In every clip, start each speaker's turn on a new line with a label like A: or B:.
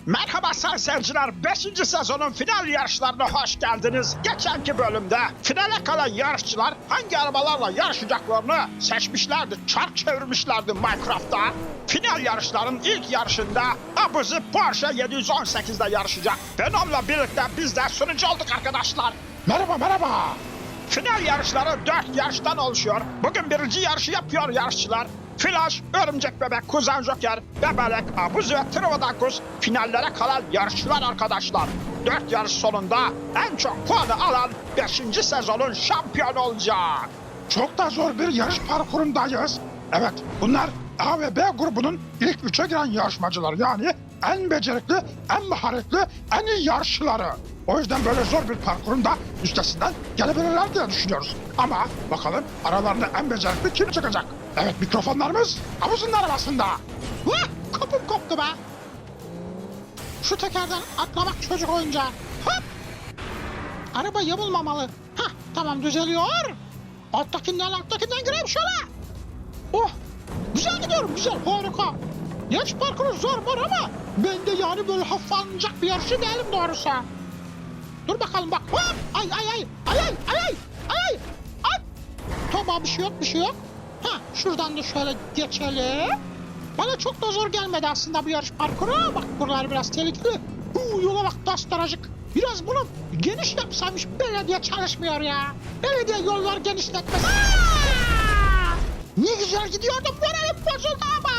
A: Merhaba sayın seyirciler, 5. sezonun final yarışlarına hoş geldiniz. Geçenki bölümde finale kalan yarışçılar hangi arabalarla yarışacaklarını seçmişlerdi, çark çevirmişlerdi Minecraft'ta. Final yarışların ilk yarışında Abuzi Porsche 718'de yarışacak. Venom'la birlikte biz de sunucu olduk arkadaşlar. Merhaba. Final yarışları 4 yarıştan oluşuyor. Bugün birinci yarışı yapıyor yarışçılar. Flash, Örümcek Bebek, Kuzen Joker, Bebelek, Abuzi ve Trivadakus finallere kalan yarışçılar arkadaşlar. 4 yarış sonunda en çok puanı alan 5. sezonun şampiyonu olacak. Çok da zor bir yarış parkurundayız. Evet, bunlar A ve B grubunun ilk 3'e giren yarışmacılar, yani en becerikli, en maharetli, en iyi yarışçıları. O yüzden böyle zor bir parkurun da üstesinden gelebilirler diye düşünüyoruz. Ama bakalım aralarında en becerikli kim çıkacak? Evet, mikrofonlarımız Abuzi'nin arabasında. Kapım koptu be. Şu tekerden atlamak çocuk oyuncağı. Hop. Araba yamulmamalı. Hah, tamam, düzeliyor. Alttakinden gireyim şöyle. Oh, güzel gidiyorum, güzel, harika. Yarış parkuru zor ama ben de yani böyle hafif alınacak bir yarışı değilim doğrusu. Dur bakalım bak. Hop! Ay. Tamam, bir şey yok. Ha, şuradan da şöyle geçelim. Bana çok da zor gelmedi aslında bu yarış parkuru. Bak, buralar biraz tehlikeli. Yola bak, dastaracık. Biraz bunu geniş yapsaymış, belediye çalışmıyor ya. Belediye yollar genişletmez. Ne güzel gidiyordum, moralim bozuldu ama.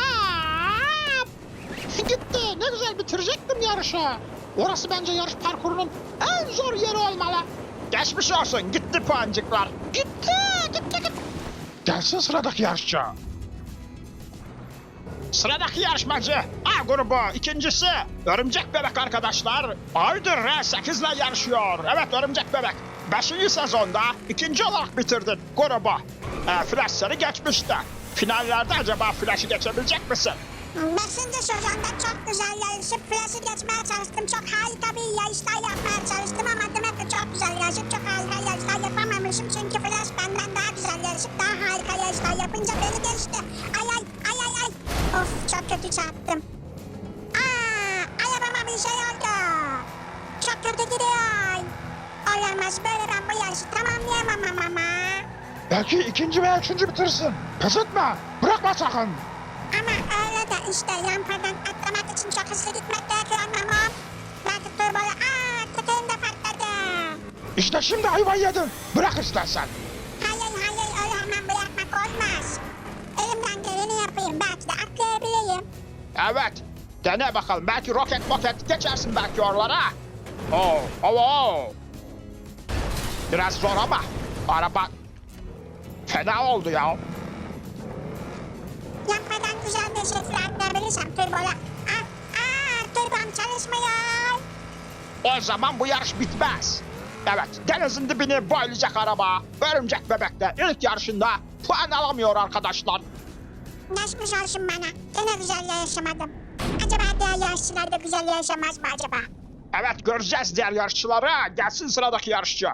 A: Gitti, ne güzel bitirecektim yarışı. Orası bence yarış parkurunun en zor yeri olmalı. Geçmiş olsun, gitti puancıklar. Gitti. Gelsin sıradaki yarışçı. Sıradaki yarışmacı A grubu, ikincisi Örümcek Bebek arkadaşlar. Aydır R8 ile yarışıyor. Evet, Örümcek Bebek 5. sezonda ikinci olarak bitirdin grubu. Flash seni geçmişti. Finallerde acaba Flash'ı geçebilecek misin?
B: 5. sezonda çok güzel yarışıp Flash'ı geçmeye çalıştım. Çok harika bir yarışlar yapmaya çalıştım ama demek ki çok güzel yarışıp çok harika yarışlar yapamamışım. Çünkü Flash benden daha güzel yarışıp daha harika yarışlar yapınca beni geçti. Ay. Of, çok kötü çarptım. Arabama bir şey oldu. Çok kötü gidiyor. Olamaz, böyle ben bu yarışı tamamlayamam ama.
A: Belki ikinci veya üçüncü bitirsin. Pes etme, bırakma sakın.
B: Ama öyle de işte rampadan atlamak için çok hızlı gitmek gerekiyor ama belki turbola tekerim de patladı.
A: İşte şimdi ayvayı yedin. Bırak istersen.
B: Hayır, öyle hemen bırakmak olmaz. Elimden geleni yapayım, belki de atlayabilirim.
A: Evet, dene bakalım. Belki roket geçersin belki oralara. Oo. Biraz zor ama araba fena oldu ya.
B: Rampadan güzel bir şekilde atlayabilirsem turbola. Turbom çalışmıyor.
A: O zaman bu yarış bitmez. Evet, denizin dibini boylayacak araba Örümcek Bebek'te ilk yarışında puan alamıyor arkadaşlar.
B: Geçmiş olsun bana. Gene güzel yarışamadım. Acaba diğer yarışçılar da güzel yarışamaz mı acaba?
A: Evet, göreceğiz diğer yarışçıları. Gelsin sıradaki yarışçı.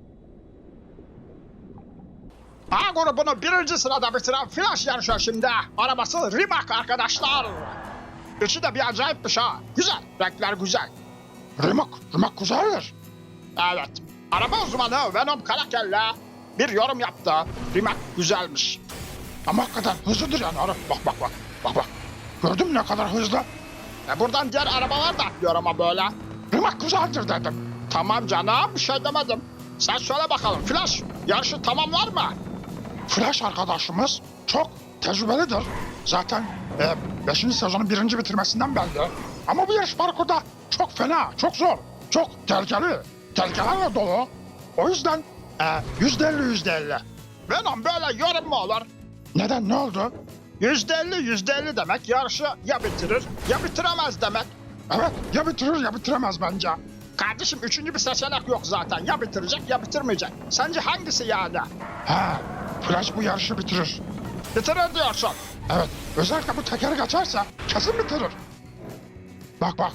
A: A grubunu 1. sırada bitiren Flash yarışıyor şimdi. Arabası Rimac arkadaşlar. İçi de bir acayipmiş ha. Güzel, renkler güzel. Rimac güzeldir. Evet, araba uzmanı Venom Karakel'le bir yorum yaptı. Rimac güzelmiş. Ama hakikaten hızlıdır yani. Bak. Gördün mü ne kadar hızlı? Buradan diğer arabalar da atlıyor ama böyle. Rimac güzeldir dedim. Tamam canım, bir şey demedim. Sen söyle bakalım Flash, yarışı tamamlar mı? Flash arkadaşımız çok tecrübelidir. Zaten 5. sezonun 1. bitirmesinden belli. Ama bu yarış parkurda çok fena, çok zor, çok tehlikeli. Tehlikelerle dolu. O yüzden %50. Venom, böyle yorum mu olur? Neden, ne oldu? %50 demek yarışı ya bitirir ya bitiremez demek. Evet, ya bitirir ya bitiremez bence. Kardeşim, 3. bir seçenek yok zaten. Ya bitirecek ya bitirmeyecek. Sence hangisi yani? Flash bu yarışı bitirir. Bitirir diyorsun. Evet, özellikle bu tekeri geçerse kesin bitirir. Bak.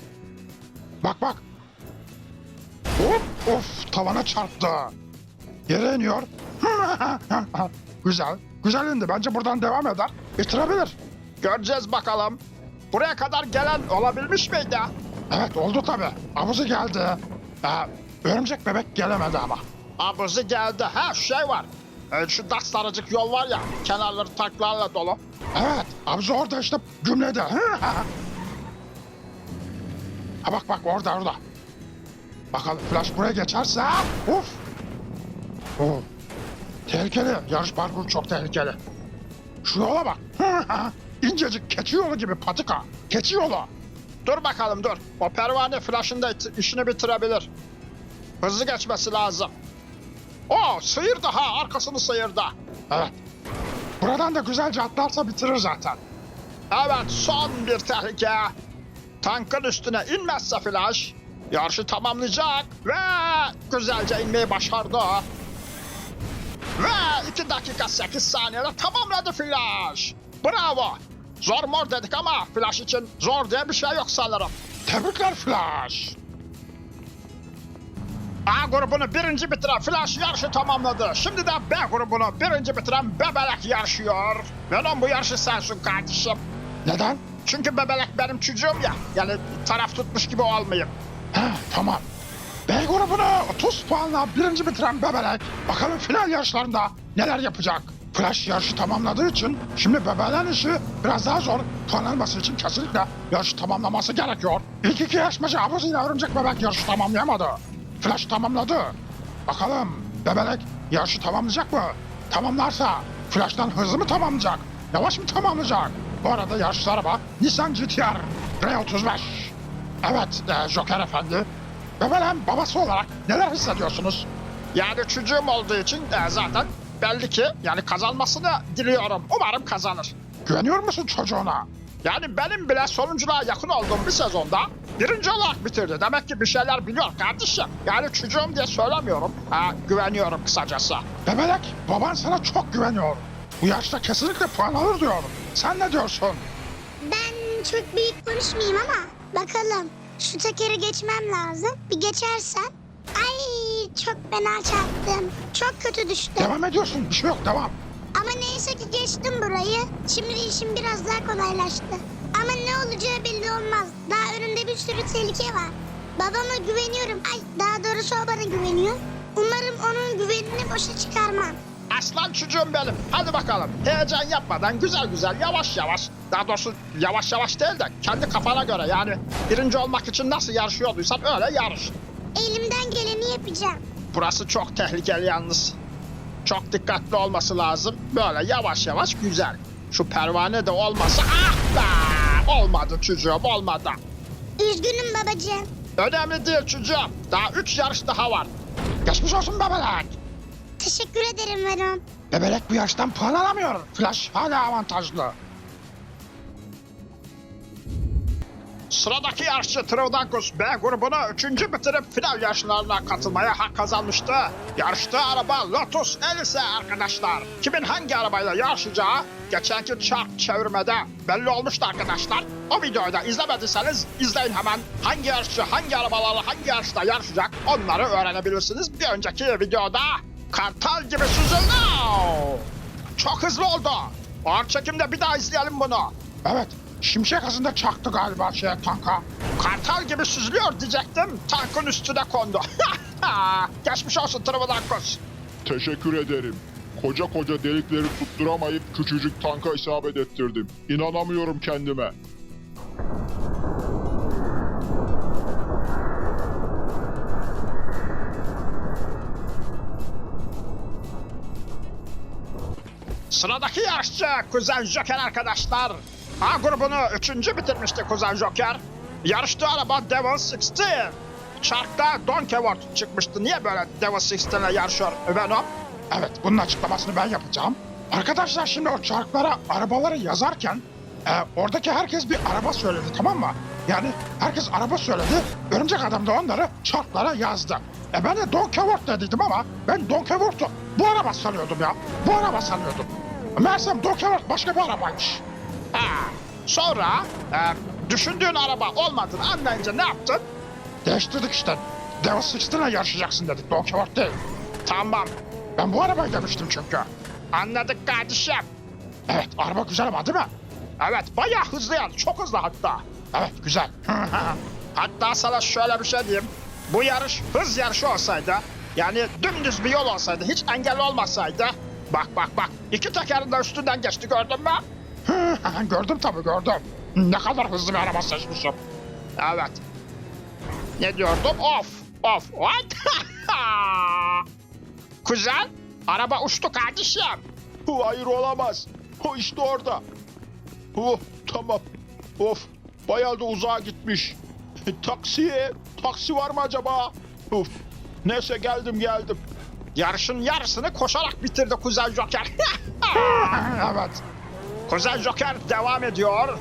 A: Of, tavana çarptı. Yere iniyor. Güzel indi. Bence buradan devam eder. Bitirebilir. Göreceğiz bakalım. Buraya kadar gelen olabilmiş miydi?
C: Evet oldu tabi. Abuzi geldi. Örümcek bebek gelemedi ama.
A: Abuzi geldi. Ha şey var. Şu daracık yol var ya. Kenarları tanklarla dolu.
C: Evet Abuzi orada işte gümledi. Ha bak orada. Bakalım Flash buraya geçerse. Uf. Oh. Tehlikeli. Yarış parkuru çok tehlikeli. Şu yola bak. İncecik keçi yolu gibi patika. Keçi yolu.
A: Dur bakalım dur. O pervane Flash'ın da işini bitirebilir. Hızlı geçmesi lazım. O sıyırdı ha, arkasını sıyırdı.
C: Evet. Buradan da güzelce atlarsa bitirir zaten.
A: Evet, son bir tehlike. Tankın üstüne inmezse Flash yarışı tamamlayacak ve güzelce inmeyi başardı. Ve 2 dakika 8 saniyede tamamladı Flash. Bravo. Zor mor dedik ama Flash için zor diye bir şey yok sanırım.
C: Tebrikler Flash.
A: A grubunu birinci bitiren Flash yarışı tamamladı. Şimdi de B grubunu birinci bitiren Bebelek yarışıyor. Venom bu yarışı sensin kardeşim.
C: Neden?
A: Çünkü Bebelek benim çocuğum ya. Yani taraf tutmuş gibi olmayayım.
C: Tamam. B grubunu 30 puanla birinci bitiren Bebelek bakalım final yarışlarında neler yapacak. Flash yarışı tamamladığı için şimdi Bebelek'in işi biraz daha zor. Puan alması için kesinlikle yarışı tamamlaması gerekiyor. İlk iki yarışmacı Abuzi ile Örümcek Bebek yarışı tamamlayamadı. Flash tamamladı. Bakalım Bebelek yarışı tamamlayacak mı? Tamamlarsa Flash'tan hızlı mı tamamlayacak? Yavaş mı tamamlayacak? Bu arada yarışçı araba Nissan GT-R R35. Evet Joker Efendi. Bebelek'in babası olarak neler hissediyorsunuz?
A: Yani çocuğum olduğu için zaten belli ki yani kazanmasını diliyorum. Umarım kazanır.
C: Güveniyor musun çocuğuna?
A: Yani benim bile sonunculuğa yakın olduğum bir sezonda birinci olarak bitirdi. Demek ki bir şeyler biliyor kardeşim. Yani çocuğum diye söylemiyorum. Güveniyorum kısacası.
C: Bebelek, baban sana çok güveniyor. Bu yaşta kesinlikle puan alır diyorum. Sen ne diyorsun?
B: Ben çok büyük konuşmayayım ama bakalım. Şu tekeri geçmem lazım. Bir geçersem. Ay çok fena çarptım. Çok kötü düştüm.
C: Devam ediyorsun, bir şey yok, devam.
B: Ama neyse ki geçtim burayı. Şimdi işim biraz daha kolaylaştı. Ama ne olacağı belli olmaz. Daha önümde bir sürü tehlike var. Babama güveniyorum. Ay daha doğrusu o bana güveniyor. Umarım onun güvenini boşa çıkarmam.
A: Aslan çocuğum benim. Hadi bakalım. Heyecan yapmadan güzel güzel yavaş yavaş. Daha doğrusu yavaş yavaş değil de kendi kafana göre yani birinci olmak için nasıl yarışıyorduysan öyle yarış.
B: Elimden geleni yapacağım.
A: Burası çok tehlikeli yalnız. Çok dikkatli olması lazım. Böyle yavaş yavaş güzel. Şu pervane de olmasa olmadı çocuğum olmadı.
B: Üzgünüm babacığım.
A: Önemli değil çocuğum. Daha 3 yarış daha var.
C: Geçmiş olsun Bebelek.
B: Teşekkür ederim Venom.
C: Bebelek bu yarıştan puan alamıyor. Flash hala avantajlı.
A: Sıradaki yarışçı Trivdankus B grubunu 3. bitirip final yarışlarına katılmaya hak kazanmıştı. Yarıştığı araba Lotus Elise arkadaşlar. Kimin hangi arabayla yarışacağı geçenki çark çevirmede belli olmuştu arkadaşlar. O videoyu da izlemediyseniz izleyin hemen. Hangi yarışçı hangi arabalarla hangi yarışta yarışacak onları öğrenebilirsiniz. Bir önceki videoda kartal gibi süzüldü. Çok hızlı oldu. Ağır çekimde bir daha izleyelim bunu.
C: Evet, şimşek hızında çaktı galiba tanka.
A: Kartal gibi süzülüyor diyecektim. Tankın üstüne kondu. Geçmiş olsun Trivdankus.
D: Teşekkür ederim. Koca koca delikleri tutturamayıp küçücük tanka isabet ettirdim. İnanamıyorum kendime.
A: Sıradaki yarışçı Kuzen Joker arkadaşlar. A grubunu 3. bitirmişti Kuzen Joker. Yarıştığı araba Devil 16. Çarkta Don Quixote çıkmıştı. Niye böyle Devil 16 ile yarışıyor Venom?
C: Evet, bunun açıklamasını ben yapacağım. Arkadaşlar şimdi o çarklara arabaları yazarken oradaki herkes bir araba söyledi, tamam mı? Yani herkes araba söyledi. Örümcek Adam da onları çarklara yazdı. Ben de Don Quixote dediydim ama ben Don Quixote'u bu araba sanıyordum ya. Bu araba sanıyordum. Meğersem Don Quixote başka bir arabaymış.
A: Sonra düşündüğün araba olmadığını anlayınca ne yaptın?
C: Değiştirdik işte. Devil 16 ile yarışacaksın dedik, Don Quixote değil.
A: Tamam,
C: Ben bu arabayı demiştim çünkü.
A: anladık kardeşim.
C: Evet, araba güzel ama değil mi?
A: Evet, bayağı hızlı yani, çok hızlı hatta.
C: Evet, güzel.
A: Hatta sana şöyle bir şey diyeyim. Bu yarış hız yarışı olsaydı, yani dümdüz bir yol olsaydı, hiç engel olmasaydı. Bak bak bak, iki tekerin de üstünden geçti, gördün mü?
C: Gördüm tabii gördüm. Ne kadar hızlı bir araba seçmişim.
A: Evet. Ne diyordum? Of of. What? Kuzen, araba uçtu kardeşim.
D: Hayır olamaz. O işte orada. Oh tamam. Of bayağı da uzağa gitmiş. Taksi var mı acaba? Of. Neyse geldim.
A: Yarışın yarısını koşarak bitirdi Kuzen Joker.
C: Evet.
A: Kuzen Joker devam ediyor.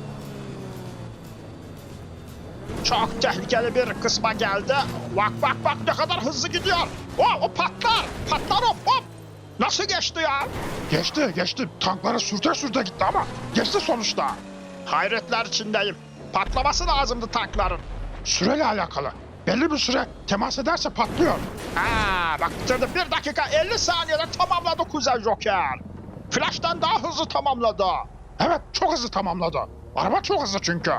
A: Çok tehlikeli bir kısma geldi. Bak bak bak, ne kadar hızlı gidiyor. O patlar. Patlar hop. Nasıl geçti ya?
C: Geçti. Tankları sürte gitti ama geçti sonuçta.
A: Hayretler içindeyim. Patlaması lazımdı tankların.
C: Süreyle alakalı. Belli bir süre temas ederse patlıyor.
A: Bak bitirdi. 1 dakika 50 saniyede tamamladı Kuzen Joker. Flash'tan daha hızlı tamamladı.
C: Evet, çok hızlı tamamladı. Araba çok hızlı çünkü.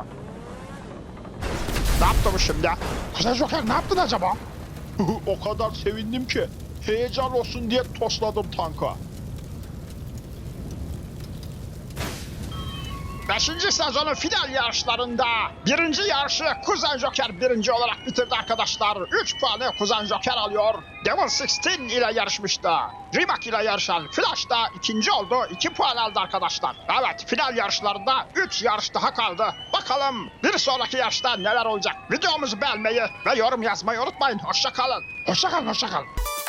A: Ne yaptı bu şimdi?
C: Kuzen Joker ne yaptın acaba?
D: O kadar sevindim ki heyecan olsun diye tosladım tanka.
A: 5. sezonun final yarışlarında birinci yarışı Kuzen Joker birinci olarak bitirdi arkadaşlar. 3 puanı Kuzen Joker alıyor. Devil 16 ile yarışmıştı. Rimac ile yarışan Flash da ikinci oldu. 2 puan aldı arkadaşlar. Evet, final yarışlarında 3 yarış daha kaldı. Bakalım bir sonraki yarışta neler olacak? Videomuzu beğenmeyi ve yorum yazmayı unutmayın. Hoşça kalın.
C: Hoşça kal.